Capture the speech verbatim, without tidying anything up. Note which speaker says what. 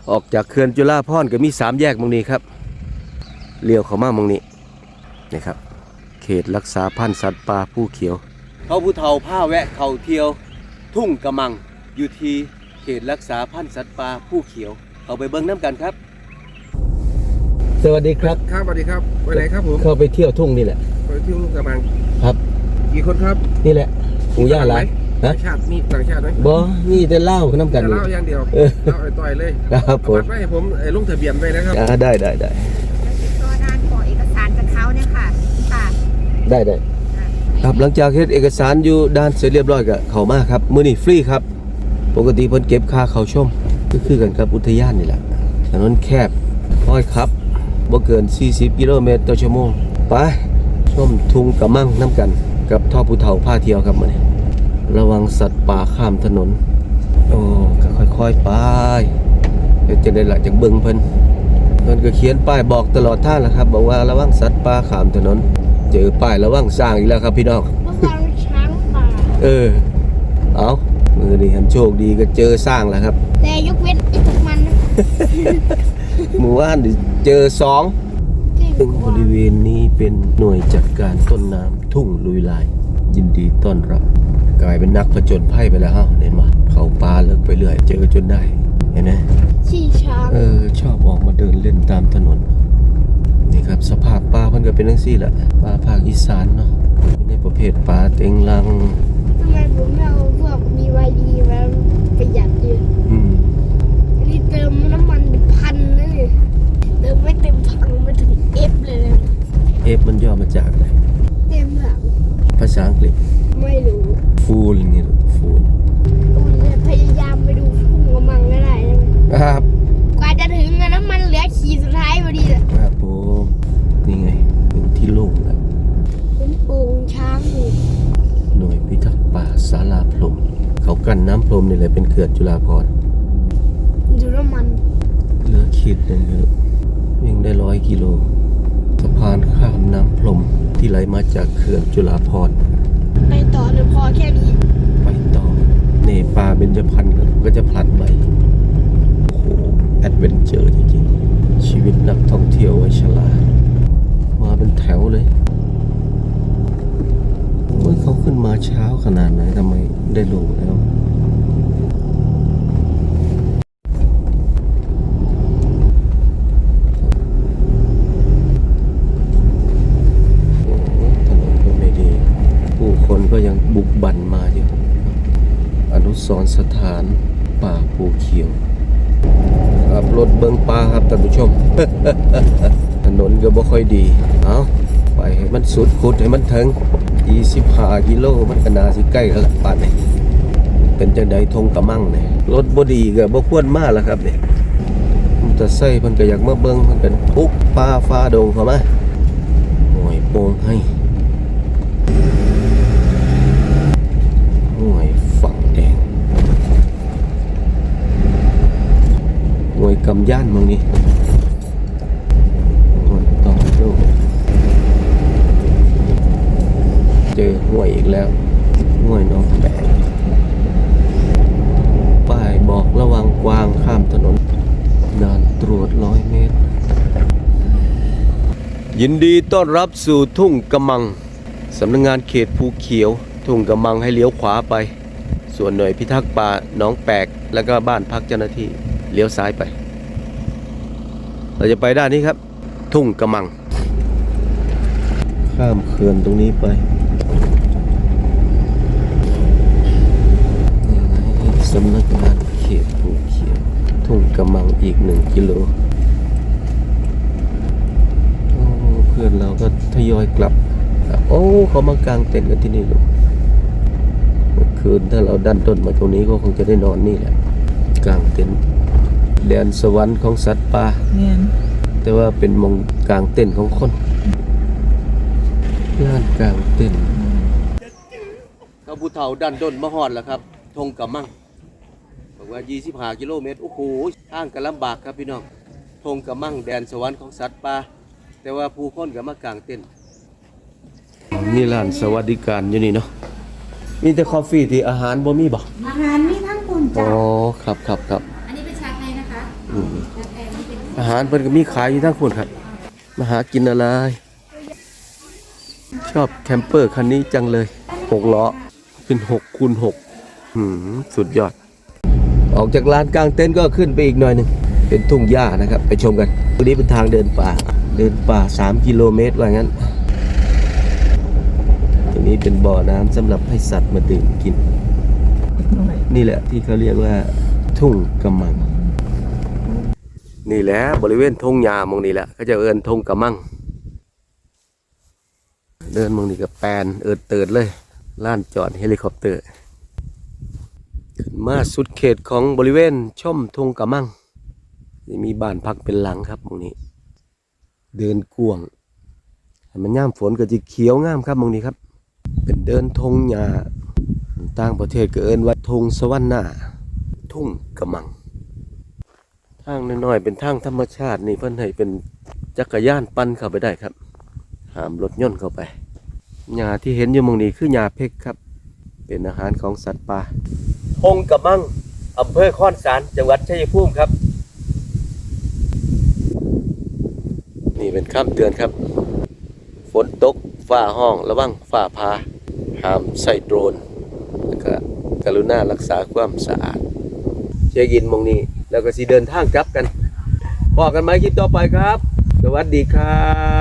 Speaker 1: ออกจากเขื่อนจุฬาภรณ์ก็มีสามแยกตรงนี้ครับเลี้ยวเข้ามาตรงนี้นี่ครับเขตรักษาพันธุ์สัตว์ป่าภูเขียวเขาผู้เฒ่าผ้าแวะเขาเที่ยวทุ่งกระมังอยู่ที่เขตรักษาพันธุ์สัตว์ป่าภูเขียวเอาไปเบิ่งน้ำกันครับสวัสดีครับ
Speaker 2: ครับสวัสดีครับไปไหนครับผม
Speaker 1: เข้าไปเที่ยวทุ่งนี่แหละ
Speaker 2: ไปเที่ยวทุ่งกระมัง
Speaker 1: ครับ
Speaker 2: กี่คนครับ
Speaker 1: นี่แหละหมู่ย่าหลาย
Speaker 2: ต่างชาติมีต่างชาติไหม
Speaker 1: บ่มีแต่เล่าน้ำกัน
Speaker 2: เล่าอย่างเดียวเล่าไอ้ต่อยเลย
Speaker 1: ครับผม
Speaker 2: ให้ผมลงทะเบียนไปนะครับ
Speaker 1: ได้ได้ได้
Speaker 3: ตัวด้านขอเอกสารจากเขาเนี่ยค่ะค่ะ
Speaker 1: ได้ได้ครับหลังจากเฮ็ดเอกสารอยู่ด้านเสร็จเรียบร้อยก็เข้ามาครับมื้อนี้ฟรีครับปกติเพิ่นเก็บค่าเข้าชมก็คือกันกับอุทยานนี่แหละถนนแคบค่อยขับบ่เกินสี่สิบกิโลเมตรต่อชั่วโมงไปชมทุ่งกระมังน้ำกันกับท่อผู้เฒ่าพาเที่ยวครับมื้อนี้ระวังสัตว์ป่าข้ามถนนโอ้ก็ค่อยๆไปเดี๋ยวจะได้ละจากเบิ่งเพิ่นเพิ่นก็เขียนป้ายบอกตลอดทางแหละครับบอกว่าระวังสัตว์ป่าข้ามถนนเจอป้ายระวังสร้างอีกแล้วครับพี่น้อง
Speaker 3: ระวังช้างป่า
Speaker 1: เออเอามือนี่เห็นโชคดีก็เจอสร้างแล้วครับ
Speaker 3: แต่ยกเว้นไอ้พวกมัน
Speaker 1: หมู่บ้านเจอสองซึ่งบริเวณนี้เป็นหน่วยจัดการต้นน้ำทุ่งลุยลายยินดีต้อนรับกลายเป็นนักผจญภัยไปแล้วฮะเห็นไหมเขาปลาเลิกไปเรื่อยเจอจนได้เห็นไหม
Speaker 3: ขี่ช้าง
Speaker 1: เออชอบออกมาเดินเล่นตามถนนนี่ครับสภาพปลาเพิ่นก็เป็นจังซี่แหละปลาภาคอีสานเนาะในประเภทปลาเต็งลัง
Speaker 3: ทำไมผมไม่เอาพวก บี วาย ดี มาประหยัดดี
Speaker 1: อืม
Speaker 3: นี่เติมน้ำมันเป็นพันเลยเติมไม่เต็มถังมาถึง F เลยนะ
Speaker 1: F มันย่อมาจากอะไร
Speaker 3: เต็มหลัง
Speaker 1: ภาษาอังกฤษ
Speaker 3: ไม่รู้
Speaker 1: ฟูลอย่างงี้ฟูล
Speaker 3: พยายามไปดูทุ่งกระมังก็ได้
Speaker 1: ครับ
Speaker 3: กว่าจะถึงน้ำมันเหลือขีดสุดท้ายพอดีเลย
Speaker 1: ครับผมนี่ไงถึงที่โล่งแล้ว
Speaker 3: เป็นโป่งช้างอยู่
Speaker 1: หน่วยพิทักษ์ป่าศาลาพรหมเขากั้นน้ำพรหมนี่แหละเป็นเขื่อนจุฬาภรณ์
Speaker 3: ดูน้ำมัน
Speaker 1: เหลือขีดหนึ่งครับวิ่งได้ร้อยกิโลสะพานข้ามน้ำพรหมที่ไหลมาจากเขื่อนจุฬาภรณ์
Speaker 3: ไปต่อหรือพอแค่นี้
Speaker 1: ไปต่อเนปาเบญจพรรณก็จะผลัดไปโอ้โหแอดเวนเจอร์จริงๆชีวิตนักท่องเที่ยวไว้ฉลาดมาเป็นแถวเลยเมื่อเขาขึ้นมาเช้าขนาดไหนทำไมได้ลงแล้วก็ยังบุกบั่นมาอยู่อนุสรณ์สถานป่าภูเขียวขับรถเบิ้งป่าครับท่านผู้ชม ถนนก็บ่ค่อยดีเอาไปให้มันสุดขุดให้มันถึงยี่สิบห้ากิโลมันก็น่าสิใกล้กันละป่านนี้เป็นจังได๋ทงกระมังนี่รถบ่ดีก็บ่ควรมาล่ะครับนี่มันจะใส่เพิ่นก็อยากมาเบิ่งเพิ่นก็ทุกป่าฟ้าดงเข้ามาโอ้ยโป่งให้หน่วยฝั่งแดงหน่วยกำย่านมึงนี่หน่วยต่อโลกเจอหน่วยอีกแล้วหน่วยน้องแปะป้ายบอกระวังกวางข้ามถนนด่านตรวจร้อยเมตรยินดีต้อนรับสู่ทุ่งกระมังสำนักงานเขตภูเขียวทุ่งกระมังให้เลี้ยวขวาไปส่วนหน่วยพิทักษ์ป่าหนองแปกแล้วก็บ้านพักเจ้าหน้าที่เลี้ยวซ้ายไปเราจะไปด้านนี้ครับทุ่งกระมังข้ามเขื่อนตรงนี้ไปสำนักงานเขตภูเขียวทุ่งกระมังอีกหนึ่งกิโลเพื่อนเราก็ทยอยกลับโอ้เขามากางเต็นท์กันที่นี่ลูกคืนถ้าเราดันต้นมาตรงนี้ก็คงจะได้นอนนี่แหละกลางเต็นท์แดนสวรรค์ของสัตว์ป่าแต่ว่าเป็นมงกลางเต็นท์ของคนลานกลางเต็นท์เขาผู้เฒ่าดันต้นมาฮอดแล้วครับทงกระมังบอกว่ายี่สิบห้ากิโลเมตรโอ้โหทางก็ลำบากครับพี่น้องทงกระมังแดนสวรรค์ของสัตว์ป่าแต่ว่าผู้คนก็มากางเต็นท์นี่ร้านสวัสดิการอยู่นี่เนาะมีแต่กาแฟที่อาหารบ่มีบ่
Speaker 3: อาหารมีทั้งคนจ้ะ
Speaker 1: อ๋อครับครับครับ
Speaker 3: อันนี้เป็นชาไทยนะคะ
Speaker 1: อืมอาหารเพิ่นก็มีขายอยู่ทั้งคนครับมาหากินอะไร ชอบแคมเปอร์คันนี้จังเลยหกล้อเป็นหกคูณหกหืมสุดยอด ออกจากลานกลางเต็นท์ก็ขึ้นไปอีกหน่อยหนึ่งเป็นทุ่งหญ้านะครับไปชมกันตรงนี้เป็นทางเดินป่าเดินป่าสามกิโลเมตรว่างั้นตรงนี้เป็นบ่อน้ำสำหรับให้สัตว์มาดื่มกิน นี่แหละที่เขาเรียกว่าทุ่งกำมัง นี่แหละบริเวณทุ่งหญ้ามองนี่แหละเขาจะเอิ้นทุ่งกำมัง เดินมองนี่กับแปนเอิดเติดเลยล้านจอดเฮลิคอปเตอร์ขึ้นมาสุดเขตของบริเวณช่อมทุ่งกำมังนี่มีบ้านพักเป็นหลังครับมองนี้ เดินกวงมันย่ามฝนก็จะเขียวงามครับมองนี้ครับ เป็นเดินทงหญ้าต่างประเทศก็เอิ้นว่าทงสวรรค์หน้าทุ่งกำมังทางน้อยๆเป็นทางธรรมชาตินี่เพิ่นให้เป็นจักรยานปั่นเข้าไปได้ครับห้ามรถยนต์เข้าไปหญ้าที่เห็นอยู่มองนี้คือหญ้าเพกครับเป็นอาหารของสัตว์ป่าทงกำมังอำเภอค้อนสารจังหวัดชัยภูมิครับนี่เป็นคำเตือนครับฝนตกฟ้าห้องระวังฟ้าผ่าห้ามใส่โดรนแล้วก็กรุณารักษาความสะอาดเช็คอินมองนี้แล้วก็สิเดินทางกลับกันพบกันไหมคลิปต่อไปครับสวัสดีครับ